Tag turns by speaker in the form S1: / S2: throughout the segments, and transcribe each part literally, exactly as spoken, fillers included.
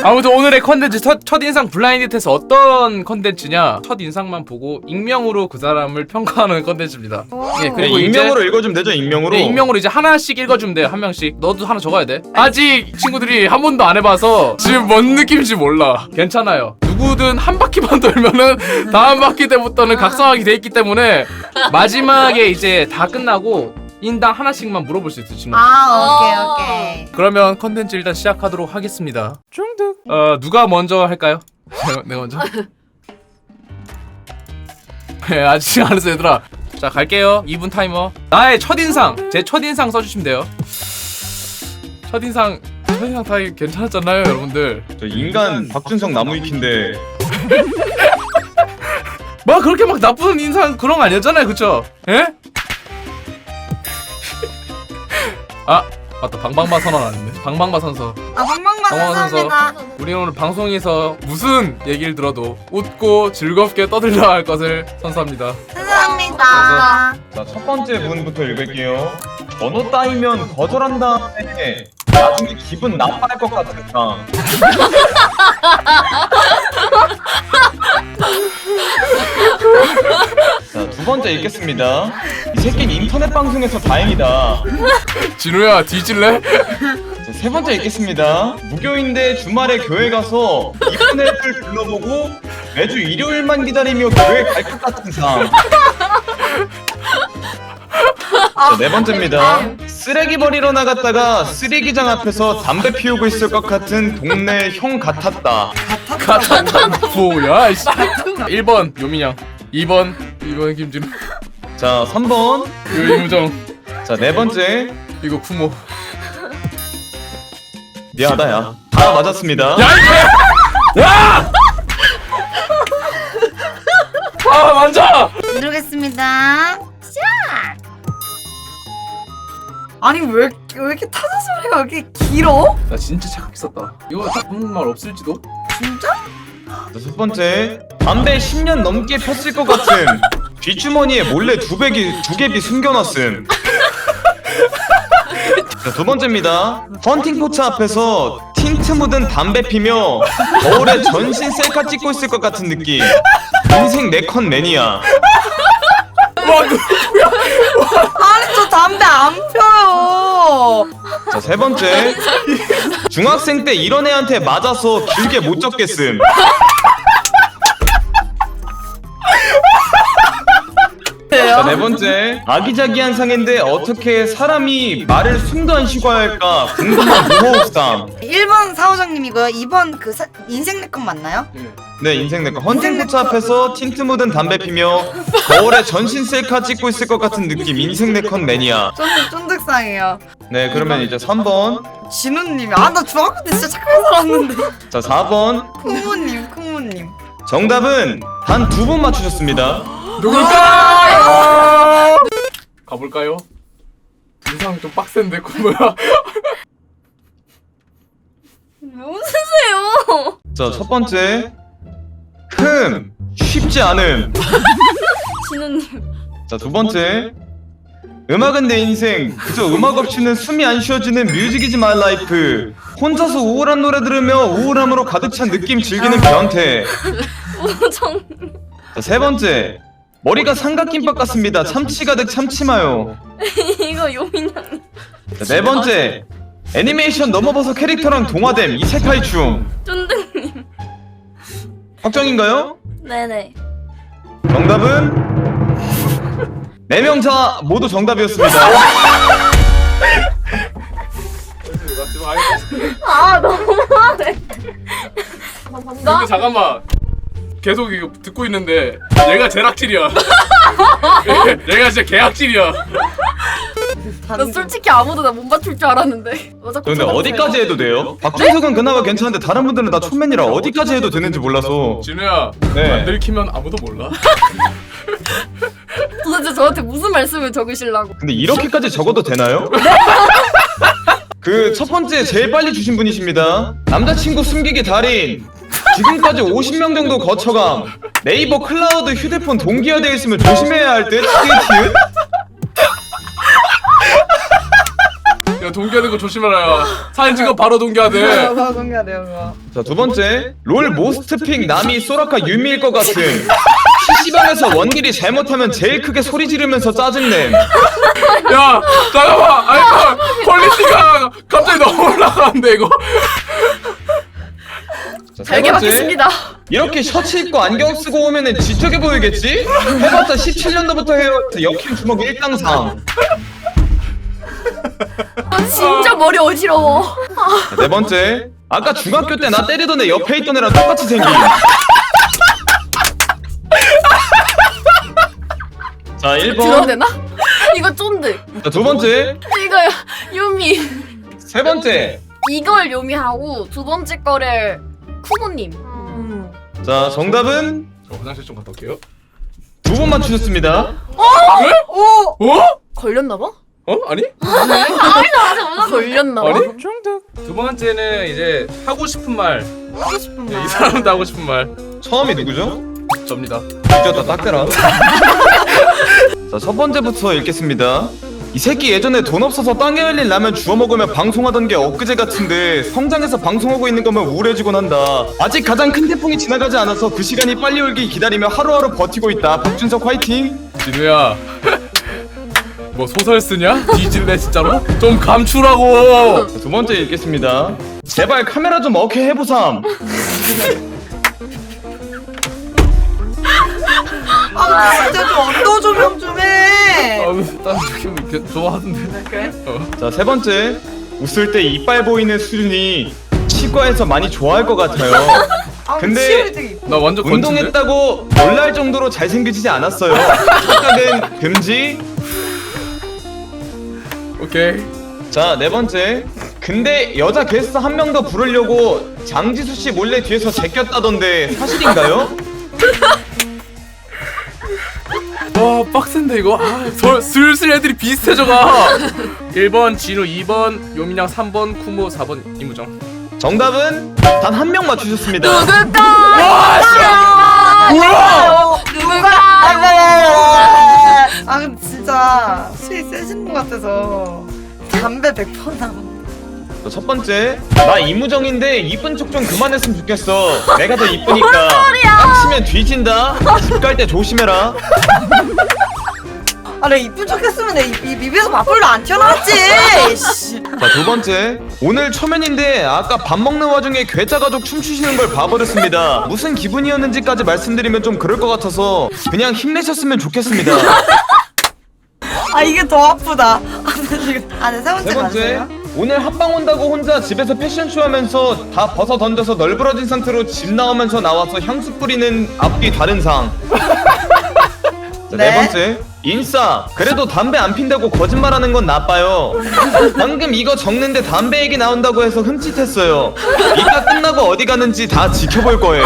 S1: 아무튼 오늘의 컨텐츠 첫, 첫인상 블라인드 테스트 어떤 컨텐츠냐, 첫인상만 보고 익명으로 그 사람을 평가하는 컨텐츠입니다. 예,
S2: 네,
S1: 그리고
S2: 익명으로
S1: 이제,
S2: 읽어주면 되죠. 익명으로.
S1: 네, 익명으로 이제 하나씩 읽어주면 돼요. 한 명씩. 너도 하나 적어야 돼. 아직 친구들이 한 번도 안 해봐서 지금 뭔 느낌인지 몰라. 괜찮아요. 누구든 한 바퀴만 돌면은 다음 바퀴 때부터는 각성하게 돼 있기 때문에 마지막에 이제 다 끝나고 인당 하나씩만 물어볼 수 있어요, 친구.
S3: 아 오케이 오케이.
S1: 그러면 컨텐츠 일단 시작하도록 하겠습니다. 중득. 어 누가 먼저 할까요? 내가, 내가 먼저. 네, 아직 안 했어 얘들아. 자 갈게요. 이 분 타이머. 나의 첫인상, 제 첫인상 써주시면 돼요. 첫인상, 첫인상 다 괜찮았잖아요, 여러분들.
S2: 저 인간 박준성 나무위키인데.
S1: 뭐 그렇게 막 나쁜 인상 그런 거 아니었잖아요, 그쵸? 예? 아 맞다, 방방마 선언 안 했네. 방방마 선서.
S3: 아 방방마
S1: 방방마
S3: 감사합니다.
S1: 우리 오늘 방송에서 무슨 얘기를 들어도 웃고 즐겁게 떠들려 할 것을 선서합니다.
S3: 감사합니다.
S2: 자, 첫 번째 분부터 읽을게요. 번호 따이면 거절한 다음에 나중에 기분 나빠할 것 같았다. 자, 두 번째 읽겠습니다. 이 새끼는 인터넷 방송에서 다행이다.
S1: 진우야 뒤질래?
S2: 자, 세 번째 읽겠습니다. 무교인데 주말에 교회 가서 이쁜 애들 불러보고 매주 일요일만 기다리며 교회 갈 것 같은 상. 자, 네 번째입니다. 쓰레기 버리러 나갔다가 쓰레기장 앞에서 담배 피우고 있을 것 같은 동네 형 같았다.
S1: 같았다 뭐야 이씨. 일 번 요민양, 이 번 이 번 김진우,
S2: 자, 삼 번.
S1: 이거 이무정,
S2: 자, 네 번째.
S1: 이거 쿠모.
S2: 미안하다, 야. 다 맞았습니다.
S1: 야 이게! 야! 아 만져!
S3: 누르겠습니다. 시작. 아니 왜, 왜 이렇게 타자 소리가 왜 이렇게 길어?
S1: 나 진짜 착각했었다 이거 딱 붙는 말 없을지도?
S3: 진짜?
S2: 자, 첫 번째. 담배 십 년 넘게 폈을 것 같은 뒷주머니에 몰래 두 배기, 두 개비 숨겨놨음. 자, 두 번째입니다. 헌팅 포차 앞에서 틴트 묻은 담배 피며 거울에 전신 셀카 찍고 있을 것 같은 느낌. 인생 네컨 매니아.
S1: 와 누구야?
S3: 아니 저 담배 안 펴요.
S2: 자, 세 번째. 중학생 때 이런 애한테 맞아서 길게 못 적겠음. 자, 네 번째. 아기자기한 상인데 어떻게 사람이 말을 숨도 안 쉬고 할까 궁금한 무호흡상.
S3: 일 번 사호장님이고요. 이 번 그 사, 인생 네컷 맞나요?
S2: 네, 인생 내꺼. 헌팅 포차 앞에서 틴트 묻은 담배 피며 거울에 전신 셀카 찍고 있을 것 같은 느낌. 인생 네컨 매니아.
S3: 쫀득 쫀득상이에요.
S2: 네, 그러면 이제 삼 번.
S3: 진우님이 아 나 중학교 때 진짜 착하게 살았는데.
S2: 자, 사 번.
S3: 쿵무님 쿵무님.
S2: 정답은 단 두 분 맞추셨습니다.
S1: 누굴까요? 가볼까요? 인상 좀 빡센데 쿠모야.
S4: 왜 웃으세요?
S2: 자, 첫 번째. 흠, 쉽지 않음.
S4: 진우님.
S2: 자, 두 번째. 음악은 내 인생. 그저 음악 없이는 숨이 안 쉬어지는 뮤직이지 마이 라이프. 혼자서 우울한 노래 들으며 우울함으로 가득 찬 느낌 즐기는 변태.
S4: 우정.
S2: 자, 세 번째. 머리가 삼각김밥 같습니다. 참치 가득 참치마요.
S4: 이거 요민양님.
S2: 자, 네 번째. 애니메이션 넘어버서 캐릭터랑 동화됨 이세카이 춤.
S4: 쫀득님.
S2: 확정인가요?
S4: 네네.
S2: 정답은 네 명 다 모두 정답이었습니다.
S4: 아 너무하네.
S1: 근데 잠깐만, 계속 이거 듣고 있는데 얘가 제일 악질이야. 얘가 진짜 개악질이야.
S4: 나 솔직히 아무도 나 못 맞출 줄 알았는데. 어, 자꾸
S2: 근데
S4: 쳐다보세요.
S2: 어디까지 해도 돼요? 박준석은 그나마 괜찮은데 다른 분들은 다 촌맨이라 어디까지 해도 되는지 몰라서.
S1: 진우야,
S2: 네.
S1: 안 들키면 아무도 몰라.
S4: 도대체 저한테 무슨 말씀을 적으시려고?
S2: 근데 이렇게까지 적어도 되나요? 그 첫 번째 제일 빨리 주신 분이십니다. 남자친구 숨기기 달인. 지금까지 오십 명 정도 거쳐감. 네이버 클라우드 휴대폰 동기화되어 있으면 조심해야 할 듯. 티읕.
S1: 야 이거 동기화된 거 조심해라. 사진 찍어 바로 동기화돼.
S3: 그거 공개돼요 그거.
S2: 자, 두 번째. 롤 모스트픽 남이 소라카 유미일 것 같은. 피시방에서 원딜이 잘못하면 제일 크게 소리 지르면서 짜증냄.
S1: 야 잠깐만. 아니 퀄리티가 갑자기 너무 올라가는데 이거.
S2: 자, 세
S4: 잘게
S2: 번째.
S4: 받겠습니다.
S2: 이렇게 셔츠 입고 안경 쓰고 오면은 지적해 보이겠지? 해봤자 십칠 년도부터 해왔자 역행 주먹 일당상.
S4: 아, 진짜 머리 어지러워.
S2: 자, 네 번째. 아까 중학교 때 나 때리던 애 옆에 있던 애랑 똑같이 생긴. 자, 일
S4: 들어도
S2: 번.
S4: 되나? 이거 쫀득.
S2: 자, 두 번째.
S4: 이거 요미.
S2: 세 번째.
S4: 이걸 요미하고 두 번째 거를 쿠모님.
S2: 자, 정답은
S1: 저 화장실 좀 갔다 올게요.
S2: 두 번 맞추셨습니다.
S1: 왜?
S3: 오!
S1: 어?
S4: 걸렸나봐?
S1: 어? 아니?
S4: 걸렸나봐?
S1: 아니? 두 번째는 이제 하고 싶은 말.
S3: 하고 싶은
S1: 네,
S3: 말.
S1: 이 사람도 하고 싶은 말.
S2: 처음이 누구죠?
S1: 접니다.
S2: 뒤졌다 닦더라. 자, 첫 번째부터 읽겠습니다. 이 새끼 예전에 돈 없어서 땅에 흘린 라면 주워 먹으며 방송하던 게 엊그제 같은데 성장해서 방송하고 있는 거면 우울해지곤 한다. 아직 가장 큰 태풍이 지나가지 않아서 그 시간이 빨리 올길 기다리며 하루하루 버티고 있다. 박준석 화이팅!
S1: 진우야. 뭐 소설 쓰냐? 뒤질래 진짜로? 좀 감추라고.
S2: 자, 두 번째 읽겠습니다. 제발 카메라 좀 어케 해보삼.
S3: 아 진짜 좀 언더 조명 좀 해.
S1: 아, 딴 느낌 이렇게 좋아하던데.
S3: 그래?
S1: 어.
S2: 자, 세 번째. 웃을 때 이빨 보이는 수준이 치과에서 많이 좋아할 것 같아요.
S3: 아,
S2: 근데
S3: 치열이 되게 이뻐.
S1: 나 완전 건진데?
S2: 운동했다고 놀랄 정도로 잘생기지 않았어요. 착각은 금지.
S1: 오케이.
S2: 자, 네 번째. 근데 여자 게스트 한 명 더 부르려고 장지수 씨 몰래 뒤에서 제꼈다던데 사실인가요?
S1: 와 빡센데 이거. 아, 서, 슬슬 애들이 비슷해져가. 일 번 진우, 이 번 요민양, 삼 번 쿠모, 사 번 이무정.
S2: 정답은 단 한 명 맞추셨습니다.
S4: 누굴까?
S1: 와 씨. 뭐야?
S4: 누굴까?
S3: 아 근데 진짜 수위 세신 것 같아서 담배 백 번 남았네.
S2: 자, 첫 번째. 나 이무정인데 이쁜 척 좀 그만했으면 좋겠어. 내가 더 이쁘니까. 빡치면 뒤진다. 집 갈 때 조심해라.
S3: 아 내가 이쁜 척 했으면 내 입, 입, 입에서 밥풀도 안 튀어나왔지. 씨.
S2: 자, 두 번째. 오늘 초면인데 아까 밥 먹는 와중에 괴짜 가족 춤추시는 걸 봐버렸습니다. 무슨 기분이었는지까지 말씀드리면 좀 그럴 것 같아서 그냥 힘내셨으면 좋겠습니다.
S3: 아 이게 더 아프다. 아네 세 번째
S2: 세 번째.
S3: 맞아요?
S2: 오늘 합방 온다고 혼자 집에서 패션쇼 하면서 다 벗어 던져서 널브러진 상태로 집 나오면서 나와서 향수 뿌리는 앞뒤 다른 상. 자, 네.
S3: 네.
S2: 번째. 인싸. 그래도 담배 안 핀다고 거짓말하는 건 나빠요. 방금 이거 적는데 담배 얘기 나온다고 해서 흠칫했어요. 이따 끝나고 어디 가는지 다 지켜볼 거예요.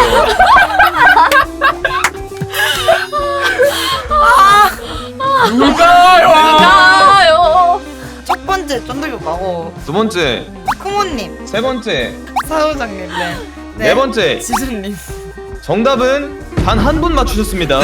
S1: 누가요?
S4: 나요.
S3: 첫 번째 쫀득이 오빠고
S2: 두 번째.
S3: 쿠모님,
S2: 세 번째.
S3: 사우장님, 네.
S2: 네 번째.
S3: 지수님.
S2: 정답은 단 한 분 맞추셨습니다.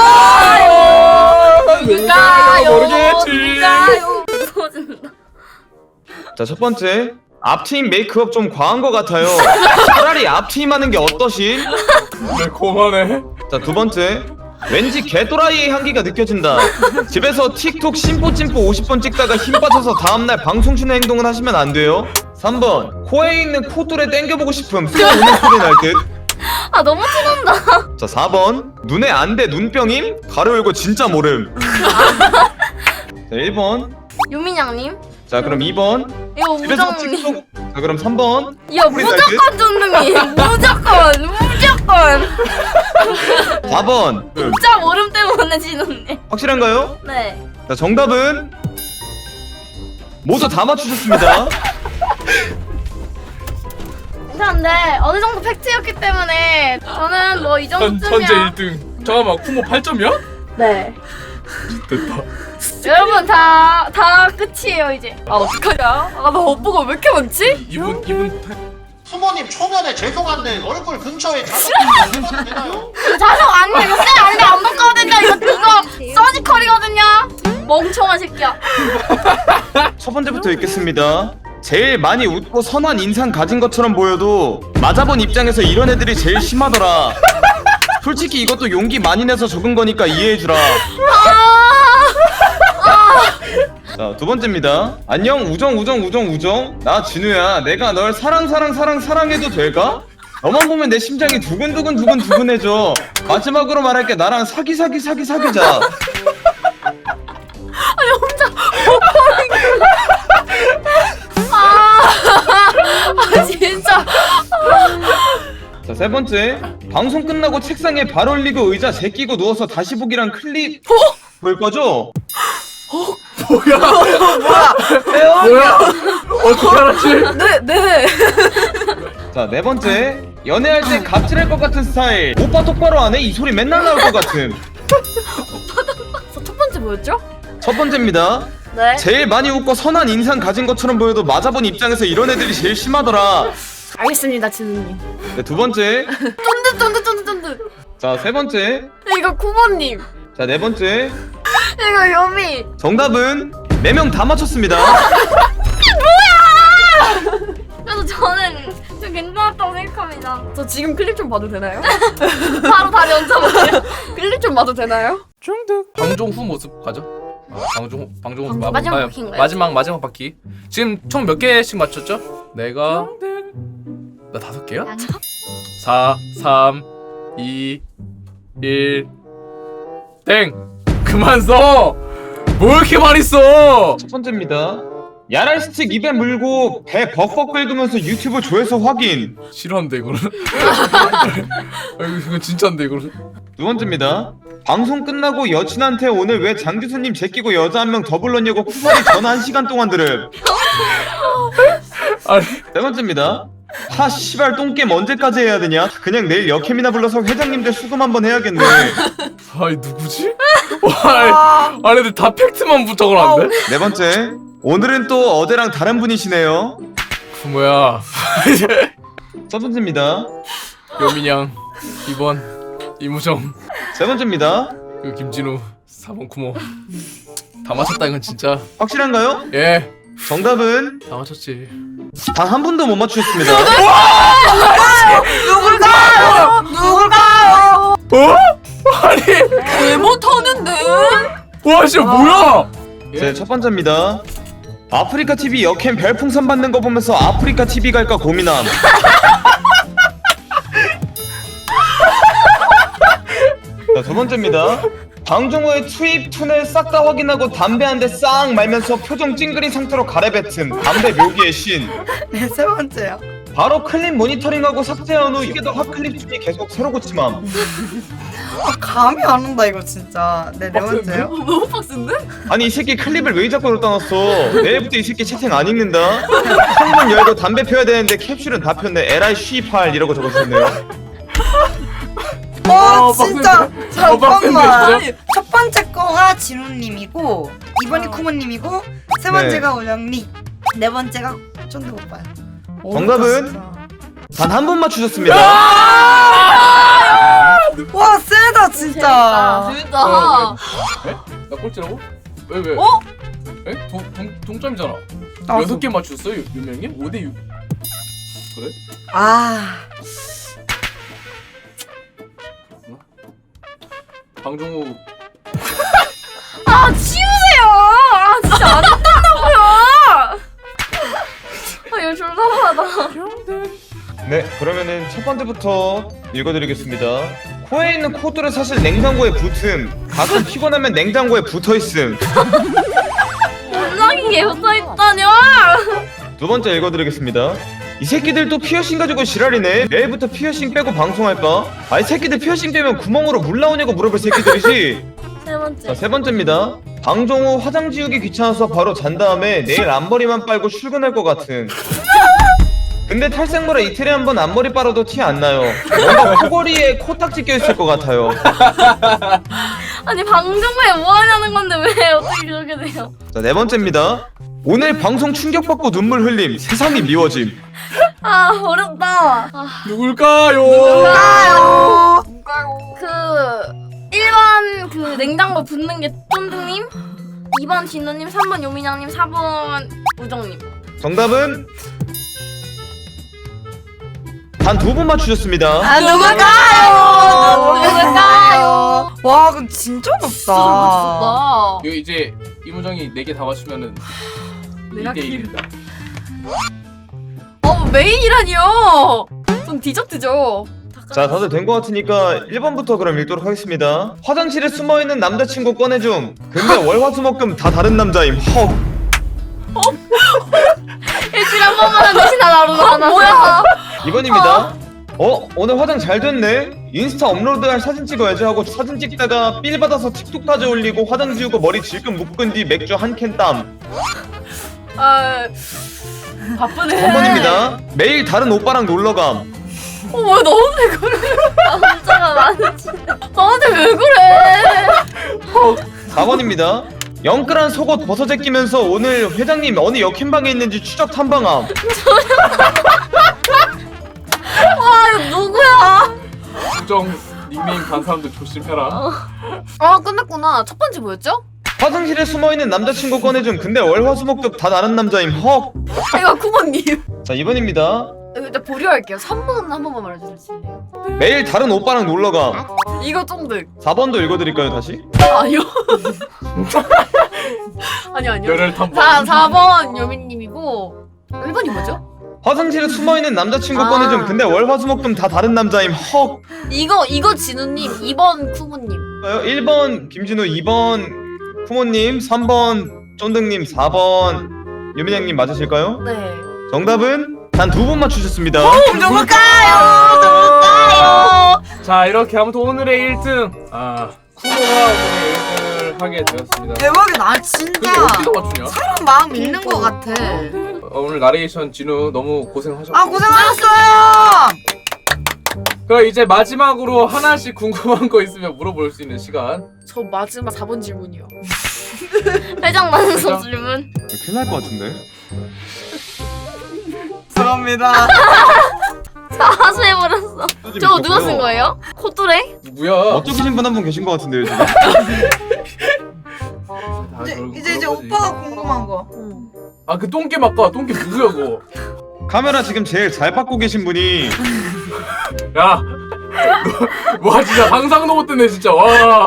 S1: 누가요? 모르겠지.
S4: 누가요? 무서워진다.
S2: 자, 첫 번째. 앞트임 메이크업 좀 과한 것 같아요. 차라리 앞트임 하는 게 어떠신?
S1: 네, 그만해.
S2: 자, 두 번째. 왠지 개또라이의 향기가 느껴진다. 집에서 틱톡 심포찜포 오십 번 찍다가 힘 빠져서 다음날 방송 쉬는 행동은 하시면 안 돼요. 삼 번. 코에 있는 코뚫에 땡겨보고 싶음. 쏘 우는 소리 날 듯.
S4: 아 너무 티난다.
S2: 자, 사 번. 눈에 안 돼 눈병임? 가로 열고 진짜 모름. 자, 일 번.
S4: 유민양님.
S2: 자, 그럼 이 번.
S4: 이거
S2: 집에서
S4: 무정님.
S2: 틱톡. 자, 그럼 삼 번.
S4: 야 무조건 쫀득이. 무조건 무조건.
S2: 사 번.
S4: 진짜 모름 때문에 지는데.
S2: 확실한가요?
S4: 네.
S2: 자, 정답은 모두 다 맞추셨습니다.
S4: 괜찮은데 어느 정도 팩트였기 때문에 저는 뭐 이
S1: 천,
S4: 정도쯤이야.
S1: 천재 일 등. 잠깐만 쿠모 팔 점이야?
S4: 네.
S1: 됐다.
S4: 여러분 다 다 끝이에요 이제. 아 어떡하냐? 아나 오빠가 왜 이렇게 많지?
S1: 이분 이분 팔.
S5: 부모님 초면에 죄송한데 얼굴 근처에 자석이 있어도 되나요?
S4: 자석 아니야 이거 쌤 아닌데 안 바꿔야 된다 이거 그거 서지컬이거든요. 멍청한 새끼야.
S2: 첫 번째부터 읽겠습니다. 제일 많이 웃고 선한 인상 가진 것처럼 보여도 맞아본 입장에서 이런 애들이 제일 심하더라. 솔직히 이것도 용기 많이 내서 적은 거니까 이해해주라. 자, 두 번째입니다. 안녕 우정 우정 우정 우정. 나 진우야. 내가 널 사랑 사랑 사랑 사랑해도 될까? 너만 보면 내 심장이 두근두근 두근 두근해져. 마지막으로 말할게. 나랑 사기 사기 사기 사귀자.
S4: 아니 혼자 아, 아 진짜.
S2: 자, 세 번째. 방송 끝나고 책상에 발 올리고 의자 제끼고 누워서 다시 보기랑 클립 볼 거죠?
S1: 뭐야?
S3: 뭐야? 왜요?
S1: 뭐야? 어떻게 알았지?
S4: 네 네.
S2: 자, 네 번째. 연애할 때 갑질할 것 같은 스타일. 오빠 똑바로 안 해? 이 소리 맨날 나올 것 같음.
S4: 첫 번째 뭐였죠?
S2: 첫 번째입니다.
S4: 네.
S2: 제일 많이 웃고 선한 인상 가진 것처럼 보여도 맞아본 입장에서 이런 애들이 제일 심하더라.
S4: 알겠습니다, 진우님.
S2: 네, 두 번째.
S4: 쫀득 쫀득 쫀득 쫀득.
S2: 자, 세 번째.
S4: 이거 쿠모님.
S2: 자, 네 번째.
S4: 이거 요미.
S2: 정답은 네 명 다 맞췄습니다.
S4: 그래서 저는 좀 괜찮았다고 생각합니다. 저 지금 클립 좀 봐도 되나요? 바로 다리 얹어볼게요. 클립 좀 봐도 되나요?
S1: 중득. 방종후 모습 가죠. 아, 방종 방종후
S4: 방종-
S1: 마-
S4: 마지막
S1: 아,
S4: 바퀴인가요?
S1: 마지막 마지막 바퀴. 지금 총 몇 개씩 맞췄죠? 내가 나 다섯 개야? 사, 삼, 이, 일, 땡! 그만 써! 뭐 이렇게 많이 써!
S2: 첫 번째입니다. 야랄 스틱 입에 물고 배 벅벅 긁으면서 유튜브 조회수 확인.
S1: 싫어한데 이거는? 아, 이거 진짜인데 이거는?
S2: 두 번째입니다. 방송 끝나고 여친한테 오늘 왜 장 교수님 제끼고 여자 한 명 더 불렀냐고 쿠파리 전화 한 시간 동안 들음.
S1: 아니
S2: 네 번째입니다. 하 씨발 똥겜 언제까지 해야 되냐? 그냥 내일 여캠이나 불러서 회장님들 수금 한번 해야겠네.
S1: 아이 누구지? 와, 아니 근데 다 팩트만 부탁을하는데?
S2: 네 번째. 오늘은 또 어제랑 다른 분이시네요.
S1: 그 뭐야?
S2: 첫 번째입니다.
S1: 여민양 이 번 이무정
S2: 세 번째입니다.
S1: 그 김진우 사 번 쿠모 다 맞췄다 이건 진짜.
S2: 확실한가요?
S1: 예,
S2: 정답은
S1: 다 맞췄지.
S2: 단 한 분도 못 맞추셨습니다.
S3: 누굴까요? 누굴까요?
S1: 어? 아니
S4: 왜 못하는데?
S1: 와 진짜 뭐야?
S2: 제 첫 번째입니다. 아프리카 티비 여캠 별풍선 받는 거 보면서 아프리카 티비 갈까 고민함. 자, 두 번째입니다. 방종호의 투입 투넬 싹 다 확인하고 담배 한 대 싹 말면서 표정 찡그린 상태로 가래뱉음. 담배 묘기의 신.
S3: 네, 세 번째요.
S2: 바로 클립 모니터링하고 삭제한 후 이게 더 핫클립 중에 계속 새로 고침함.
S3: 아, 감이 안 온다 이거 진짜. 네, 네 번째요.
S4: 너무 빡센데?
S2: 아니 이 새끼 클립을 왜 자꾸 넣다 놨어? 내일부터 이 새끼 채팅 안 읽는다. 창문 열고 담배 펴야 되는데 캡슐은 다 폈네. 에라이 쉬팔 이러고 적어주셨네요.
S3: 어,
S1: 어,
S3: 진짜.
S1: 빡센데. 어,
S3: 잠깐만.
S1: 빡센데,
S3: 첫 번째 거가 진우님이고, 이번이
S4: 어.
S3: 쿠모님이고, 세 번째가 오정리, 네 번째가 쫀득 오빠요.
S2: 정답은? 단 한 분 맞추셨습니다.
S3: 와, 세다 진짜.
S4: 재밌다.
S1: 어, 에? 나 꼴찌라고? 왜 왜?
S4: 어?
S1: 에? 동, 동, 동점이잖아.
S3: 아,
S1: 여섯 개 맞췄어요 유- 유명님? 오 대 육. 그래?
S3: 아,
S1: 방종우
S4: 아 치우세요. 아 진짜 안 된다고요. 아 이거 졸라하다.
S2: 네, 그러면은 첫 번째부터 읽어드리겠습니다. 코에 있는 코드를 사실 냉장고에 붙음. 가끔 피곤하면 냉장고에 붙어있음.
S4: 원장이게 붙어있다뇨.
S2: 두 번째 읽어드리겠습니다. 이 새끼들 또 피어싱 가지고 지랄이네. 내일부터 피어싱 빼고 방송할까? 아이 새끼들 피어싱 빼면 구멍으로 물 나오냐고 물어볼 새끼들이지.
S4: 세 번째.
S2: 자, 세 번째입니다. 방종 후 화장 지우기 귀찮아서 바로 잔 다음에 내일 앞머리만 빨고 출근할 것 같은. 근데 탈색물에 이틀에 한 번 앞머리 빨아도 티 안 나요. 뭔가 코골이에 코딱지 껴있을 것 같아요.
S4: 아니 방송부에 뭐 하냐는 건데 왜 어떻게 그렇게 돼요?
S2: 자, 네 번째입니다. 오늘 방송 충격받고 눈물 흘림. 세상이 미워짐.
S4: 아 어렵다. 아,
S1: 누굴까요?
S3: 아유.
S4: 그 일 번 그 냉장고 붙는 게 쫀득님? 이 번 진우님, 삼 번 요민양님, 사 번 우정님.
S2: 정답은 단 두 분 맞추셨습니다.
S3: 아 누굴까요?
S4: 누굴까요?
S3: 와 그럼 진짜
S4: 진짜
S3: 높다.
S4: 맞췄다.
S1: 이거 이제 이무정이 네 개 다 맞추면은
S4: 내가
S1: 이 대 일입니다.
S4: 어 메인이라니요. 좀 디저트죠.
S2: 자, 다들 된 것 같으니까 일 번부터 그럼 읽도록 하겠습니다. 화장실에 숨어있는 남자친구 꺼내줌. 근데 월화수목금 다 다른 남자임. 헉.
S4: 일주일에 한 번만 하는 대신 하나로 하나. 뭐야?
S2: 이 번입니다. 어? 오늘 화장 잘 됐네? 인스타 업로드할 사진 찍어야지 하고 사진 찍다가 삘 받아서 틱톡까지 올리고 화장 지우고 머리 질끈 묶은 뒤 맥주 한 캔 땀.
S4: 아 바쁘네.
S2: 삼 번입니다. 매일 다른 오빠랑 놀러감.
S4: 어왜 너한테 그래? 남자가 많지. 너한테 왜 그래?
S2: 사 번입니다. 영끌한 속옷 벗어제 끼면서 오늘 회장님 어느 역행방에 있는지 추적 탐방함.
S4: 와 이거 누구야?
S1: 우정 닉네임 단 사람들 조심해라.
S4: 아 끝났구나. 첫 번째 뭐였죠?
S2: 화장실에 숨어있는 남자친구 꺼내줌. 근데 월화수목금 다 다른 남자임. 헉.
S4: 이거 쿠모님.
S2: 자, 이 번입니다.
S4: 일단 보류할게요. 삼 번 한 번만 말해주실래요?
S2: 매일 다른 오빠랑 놀러감.
S4: 이거 쫑득.
S2: 사 번도 읽어드릴까요 다시?
S4: 아니요. 아니요 아니요.
S1: 열혈
S4: 사,
S1: 탐방.
S4: 사 번 요민님이고 일 번이 뭐죠?
S2: 화장실에 숨어있는 남자친구
S4: 아.
S2: 꺼내줌. 근데 월화수목금 다 다른 남자임. 헉.
S4: 이거 이거 진우님, 이 번 쿠모님.
S2: 일 번 김진우, 이 번 쿠모님, 삼 번 쫀득님, 사 번 유민양님 맞으실까요?
S4: 네.
S2: 정답은 단 두 분 맞추셨습니다.
S3: 누굴까요? 누굴까요?
S1: 자 이렇게 아무튼 오늘의 일 등 아 쿠모가 오늘의 일 등을 하게 되었습니다.
S3: 대박이다. 아
S1: 근데
S3: 진짜
S1: 어떻게 다 맞추냐?
S3: 사람 마음 읽는 것 같아.
S1: 어, 오늘 나레이션 진우 너무 고생하셨고.
S3: 아 고생하셨어요.
S1: 그럼 이제 마지막으로 하나씩 궁금한 거 있으면 물어볼 수 있는 시간.
S4: 저 마지막 사 번 질문이요. 회장 만성 질문.
S2: 큰일 날 것 같은데.
S3: 죄송합니다.
S4: 다 하수해버렸어. 저거 누가 쓴 거예요? 코뚜레?
S1: 누구야?
S2: 어쩌신 분 한 분 계신 것 같은데요 지금.
S1: 다
S3: 이제
S1: 결국
S3: 이제 이제
S1: 그런 거지.
S3: 오빠가 궁금한 거.
S1: 아 그 똥개 막가 똥개 누구야 그거?
S2: 카메라 지금 제일 잘 받고 계신 분이
S1: 야, 너, 와 진짜 상상도 못했네 진짜 와.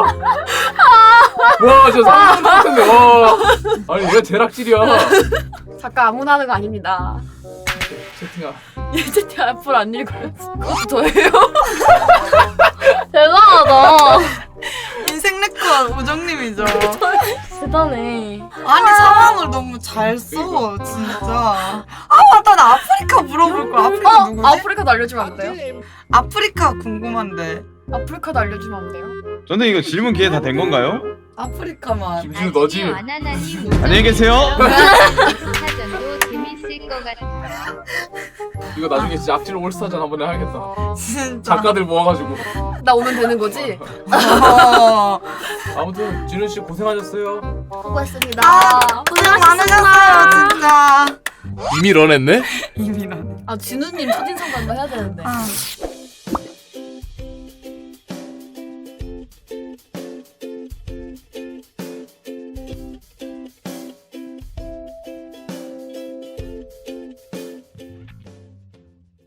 S1: 와 진짜 상상도 못했네 와. 아니 얘가 제락질이야.
S4: 잠깐 아무나 하는 거 아닙니다.
S1: 채팅아.
S4: 얘 채팅 앞으로 안 읽어요. 그것도 저예요. 대단하다.
S3: 인생 내꺼 우정님이죠.
S4: 대단해.
S3: 아니 상황을 너무 잘 써 진짜. 아 맞다 나 아프리카 물어볼 거. 아프리카
S4: 어?
S3: 누구지?
S4: 아프리카도 알려주면 안 돼요?
S3: 아프리카 궁금한데.
S4: 아프리카도 알려주면 안 돼요?
S2: 저는 이거 질문 기회 다 된 건가요?
S3: 아프리카만.
S1: 김진우 너지?
S2: 안녕히 계세요.
S6: 사전도 재밌을 것 같아요.
S1: 이거 나중에 진짜 악질 올스타전 한번 해야겠다.
S3: 진짜.
S1: 작가들 모아가지고.
S4: 나 오면 되는 거지?
S3: 어.
S1: 아무튼 진우 씨 고생하셨어요.
S4: 수고했습니다.
S3: 아, 고생 많으셨어요 진짜.
S1: 이미 런했네?
S3: 이미 나네.
S4: 아 진우님 첫인상 간다 해야 되는데.
S3: 아.